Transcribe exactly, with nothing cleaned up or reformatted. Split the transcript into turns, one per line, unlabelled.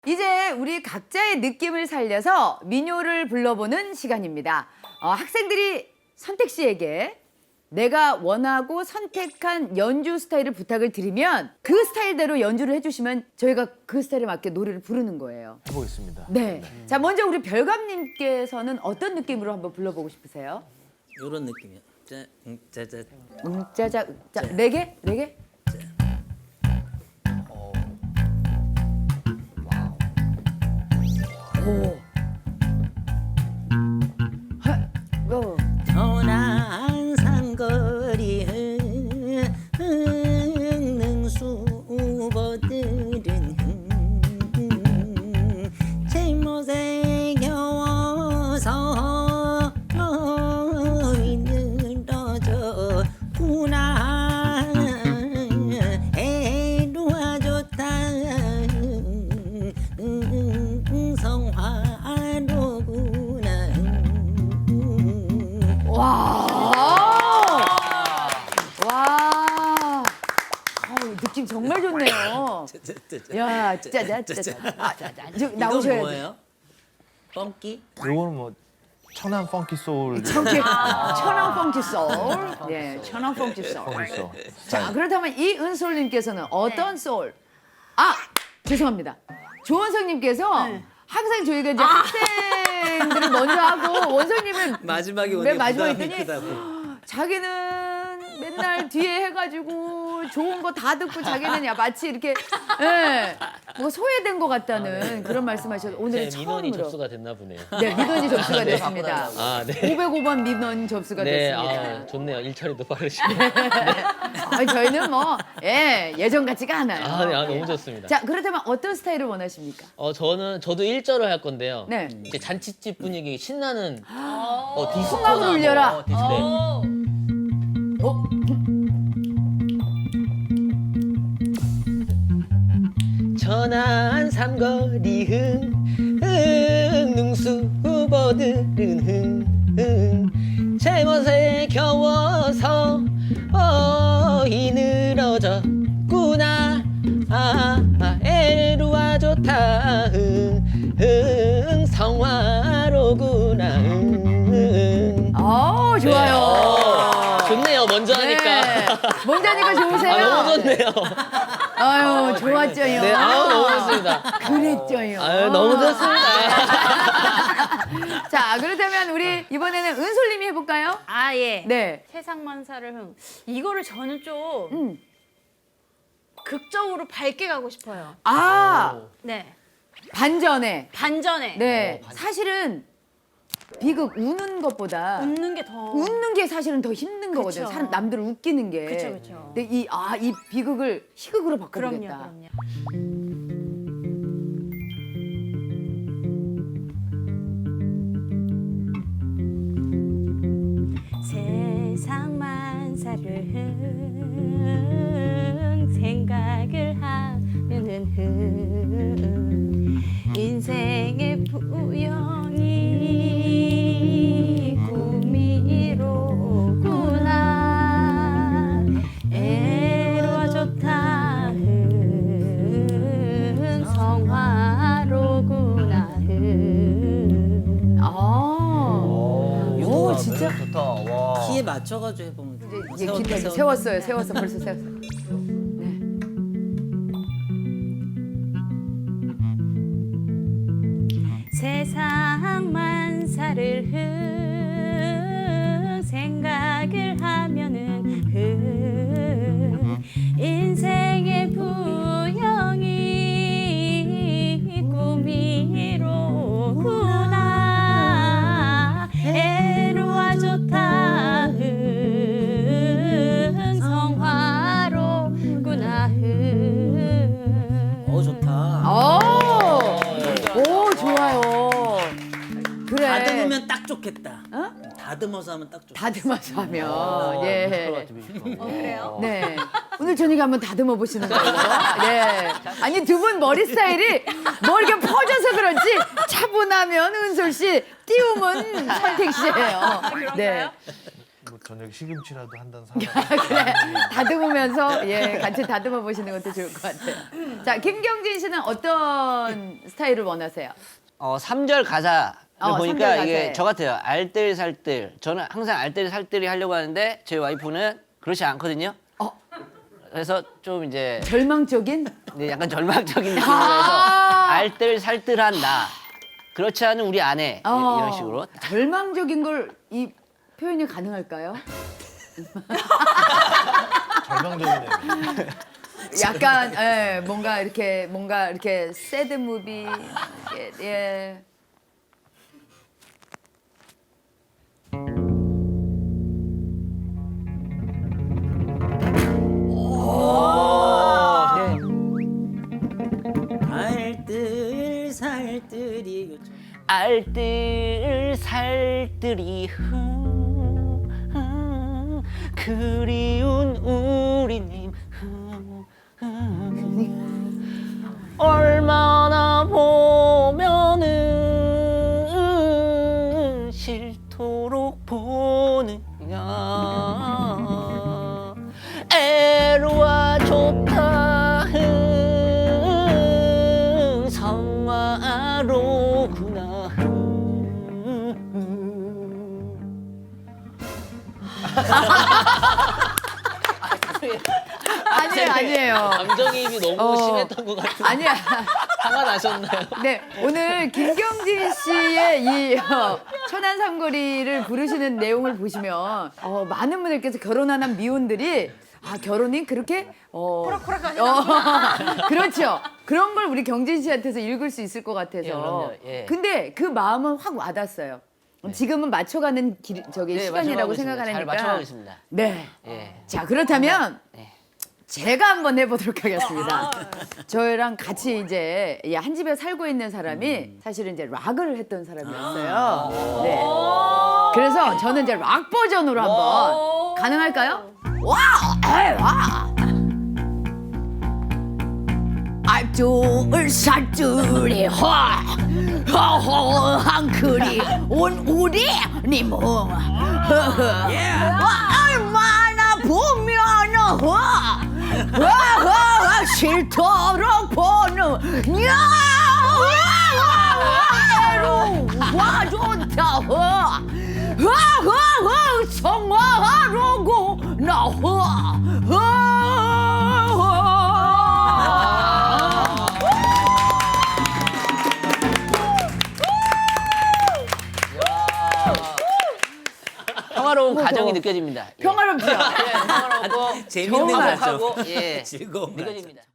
이제 우리 각자의 느낌을 살려서 민요를 불러보는 시간입니다. 어, 학생들이 선택 씨에게 내가 원하고 선택한 연주 스타일을 부탁을 드리면 그 스타일대로 연주를 해주시면 저희가 그 스타일에 맞게 노래를 부르는 거예요.
해보겠습니다.
네. 음. 자, 먼저 우리 별감님께서는 어떤 느낌으로 한번 불러보고 싶으세요?
이런 느낌이요. 짜, 음, 짜자.
음짜자, 자, 레게? 레게? 오. 하, 고.
천안 산거리 능수보들은 제못에 겨워서 늘어졌구나. 애로와 좋다 성화로구나.
와. 와. 아우, 느낌 정말 좋네요. 야, 짜자, 짜자. 아, 짜자. 저, 나오셔야
이건
돼.
뭐예요? 펑키?
요거는 뭐 천안 펑키 소울.
청계, 천안 펑키 소울. 네, 천안 펑키 소울.
펑키 소울.
자, 그렇다면 이은솔님께서는 어떤 소울? 아, 죄송합니다. 조원성님께서 항상 저희가 이제 학생들을 먼저 하고 원성님은
마지막에
맨
오니까
마지막에
부담이
했더니
크다고.
자기는 맨날 뒤에 해가지고 좋은 거 다 듣고 자기는 야 마치 이렇게 예, 뭐 소외된 것 같다는 그런 말씀하셔서 오늘
제 민원이
처음으로
접수가 됐나 보네요.
네 민원이 접수가 됐습니다.
아, 네.
오백오 번 민원 접수가
네,
됐습니다.
아, 좋네요. 일처리도 빠르시고.
아, 저희는 뭐 예, 예전 같지가 않아요.
아, 네, 아,
예.
너무 좋습니다.
자 그렇다면 어떤 스타일을 원하십니까?
어, 저는 저도 일절을 할 건데요.
네.
이제 잔치집 분위기 신나는 어, 디스코나
풍악을 울려라.
뭐, 디스코. 네.
어?
천안 삼거리 흥, 흥 능수보들은 흥, 흥 제멋에 겨워서 어이 늘어졌구나. 아, 아 애루와 좋다 흥, 흥 성화로구나 흥.
아 좋아요.
어, 좋네요. 먼저 하니까.
네. 먼저 하니까 좋으세요?
아, 너무 좋네요.
아유 좋았죠요.
네, 아우 너무 좋습니다.
그랬죠요.
아유 너무 좋습니다.
자 그렇다면 우리 이번에는 은솔님이 해볼까요?
아 예.
네.
세상만사를 흥. 이거를 저는 좀
음.
극적으로 밝게 가고 싶어요.
아
네.
반전에.
반전에.
네. 사실은 비극 우는 것보다
웃는 게 더.
웃는 게 사실은 더 힘든 거거든요.
그쵸.
사람 남들을 웃기는 게.
그쵸, 그쵸.
근데 이 아 이 비극을 희극으로
그럼요,
바꿔보겠다.
그럼요. 세상 만사를 흥 생각을 하면은 흥 인생의 부영이 꿈이로구나. 애로와 좋다 흥 성화로구나 흥.
아. 오 진짜.
좋다. 와.
키에 맞춰가지고 해보면 돼.
이제
세웠다,
기타
세웠다.
세웠어요. 세웠어 벌써 세웠어. 네.
세상 만사를 흥 생각을 하면은 흥 인생의 부영이 꿈이로구나. 애로와 좋다 흥 성화로구나 흥.
어 좋다.
오, 오 좋아요. 그래.
다듬으면 딱 좋겠다.
어?
다듬어서 하면 딱 좋겠다.
다듬어서 하면 예.
어, 그래요?
네. 오늘 저녁에 한번 다듬어 보시는 거예요. 네. 아니 두 분 머리 스타일이 뭐 이렇게 퍼져서 그런지 차분하면 은솔 씨, 띄우면 선택 씨예요. 네.
뭐 저녁 시금치라도 한단 사람.
그래 다듬으면서 예 같이 다듬어 보시는 것도 좋을 것 같아요. 자 김경진 씨는 어떤 스타일을 원하세요?
어, 삼 절 가사를
어, 삼
보니까
절
이게
가사에.
저 같아요. 알뜰살뜰. 저는 항상 알뜰살뜰히 하려고 하는데 제 와이프는 그렇지 않거든요.
어.
그래서 좀 이제
절망적인?
네, 약간 절망적인 느낌으로 해서
아.
알뜰살뜰한 나. 그렇지 않은 우리 아내. 이-
어,
이런 식으로.
절망적인 걸 이 표현이 가능할까요?
절망적이네요.
약간 예, 뭔가 이렇게 뭔가 이렇게 새드 무비 예. 예.
알뜰 살뜰이 그쵸?
알뜰살뜰이 흠, 흠, 그리운 우리님 흠, 흠, 얼마나 보면은 싫도록 보느냐 애로와 좋다 흥, 성화로구나 흥.
아니에요 아니에요.
감정이입이 너무
어.
심했던 것 같은데
아니야.
화가 나셨나요?
네, 오늘 김경진 씨의 이 어, 천안 삼거리를 부르시는 내용을 보시면 어, 많은 분들께서 결혼한 한 미혼들이 아 결혼이 그렇게 어, 어, 그렇죠. 그런 걸 우리 경진 씨한테서 읽을 수 있을 것 같아서.
예, 그럼요. 예.
근데 그 마음은 확 와닿았어요. 지금은 맞춰가는 길, 저기
네,
시간이라고
맞춰가고 있습니다.
생각하니까.
잘 맞춰가겠습니다.
네.
예.
자 그렇다면
네.
제가 한번 해보도록 하겠습니다. 저희랑 같이 이제 이 한 집에 살고 있는 사람이 사실은 이제 락을 했던 사람이었어요. 네. 그래서 저는 이제 락 버전으로 한번 가능할까요? 와, 에이, 와. 알뜰 살뜰이 화, 허허한 그리 온 우리 님은 얼마나 보면은 화, 와, 싫도록 보는 야, 와 좋다 화, 와, 성화하려고 나 화,
평화로운 가정이 느껴집니다. 예.
평화롭죠?
예, 평화롭고
재밌는
정말.
거죠.
하고 예,
즐거운 거죠.
느껴집니다.